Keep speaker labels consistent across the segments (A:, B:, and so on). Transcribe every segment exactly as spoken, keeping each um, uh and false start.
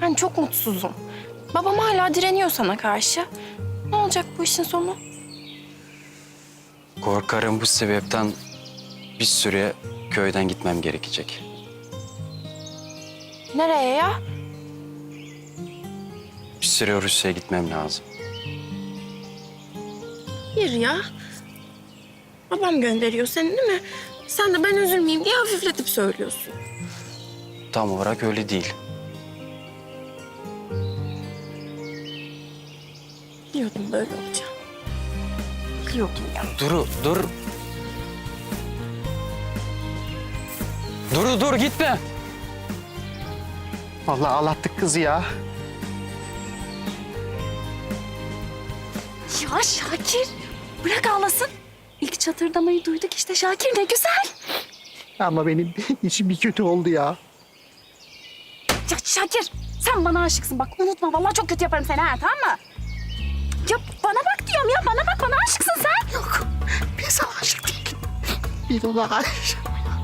A: Ben çok mutsuzum. Babam hala direniyor sana karşı. Ne olacak bu işin sonu?
B: Korkarım bu sebepten bir süre köyden gitmem gerekecek.
A: Nereye ya?
B: Bir süre Rusya'ya gitmem lazım.
A: Hayır ya. Babam gönderiyor seni değil mi? Sen de ben üzülmeyeyim diye hafifletip söylüyorsun.
B: Tam olarak öyle değil.
A: Biliyordum böyle olacağını. Biliyordum ya.
B: Duru, dur. Duru, dur gitme.
C: Vallahi ağlattık kızı ya.
A: Ya Şakir, bırak ağlasın. İlk çatırdamayı duyduk işte Şakir, ne güzel.
C: Ama benim içim bir kötü oldu ya.
A: Ya Şakir, sen bana aşıksın bak unutma. Vallahi çok kötü yaparım seni ha, tamam mı? Ya bana bak diyorum ya, bana bak, bana aşıksın sen.
C: Yok, ben sana aşık değilim. Ben ona aşık.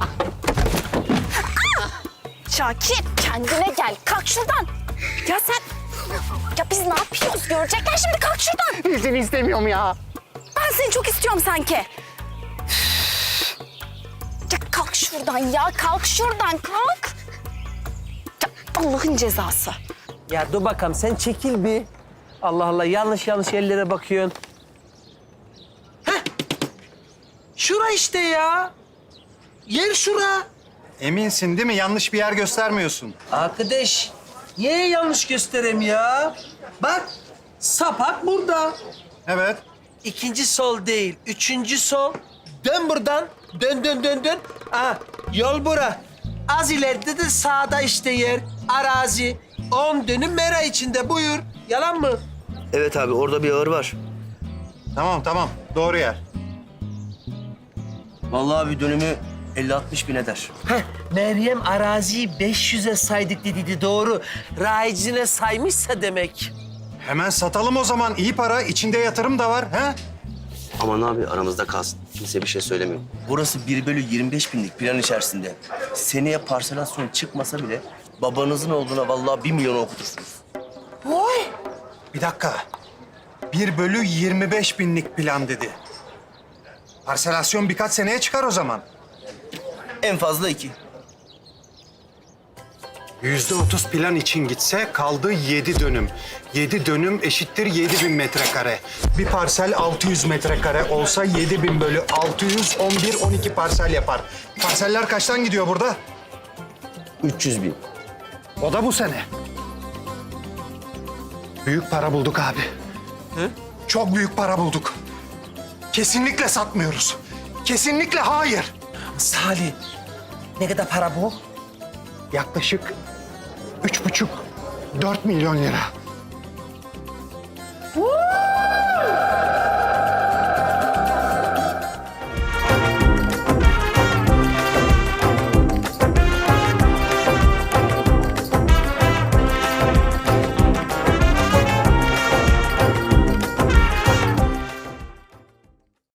A: Şakir, kendine gel. Kalk şuradan. Ya sen... Ya biz ne yapıyoruz? Görecekler şimdi. Kalk şuradan.
C: Ben seni istemiyorum ya.
A: Ben seni çok istiyorum sanki. Ya kalk şuradan ya. Kalk şuradan. Kalk. Ya Allah'ın cezası.
D: Ya dur bakalım sen çekil bir. Allah Allah yanlış yanlış yerlere bakıyorsun. Heh. Şura işte ya. Yer şura.
E: Eminsin değil mi? Yanlış bir yer göstermiyorsun.
D: Arkadaş niye yanlış göstereyim ya? Bak sapak burada.
E: Evet.
D: İkinci sol değil, üçüncü sol. Dön buradan. Dön dön dön dön. Aha, yol bura. Az ileride de sağda işte yer. Arazi. On dönüm mera içinde buyur. Yalan mı?
F: Evet abi orada bir ağır var.
E: Tamam tamam. Doğru yer.
F: Vallahi bir dönümü elli altmış bin eder.
D: Heh, Meryem araziyi beş yüze saydık dedi doğru. Rayicine saymışsa demek.
E: Hemen satalım o zaman. İyi para. İçinde yatırım da var. He?
F: Aman abi aramızda kalsın. Kimse bir şey söylemiyor. Burası bir bölü yirmi beş binlik plan içerisinde. Seneye parselasyon çıkmasa bile babanızın olduğuna vallahi bir milyon okutursunuz.
E: Bir dakika. Bir bölü yirmi beş binlik plan dedi. Parselasyon birkaç seneye çıkar o zaman.
F: En fazla iki.
E: Yüzde otuz plan için gitse kaldı yedi dönüm. Yedi dönüm eşittir yedi bin metrekare. Bir parsel altı yüz metrekare olsa yedi bin bölü altı yüz on bir on iki parsel yapar. Parseller kaçtan gidiyor burada?
F: üç yüz bin.
E: O da bu sene. Büyük para bulduk abi.
D: Hı?
E: Çok büyük para bulduk. Kesinlikle satmıyoruz. Kesinlikle hayır.
D: Salih, ne kadar para bu?
E: Yaklaşık üç buçuk, dört milyon lira.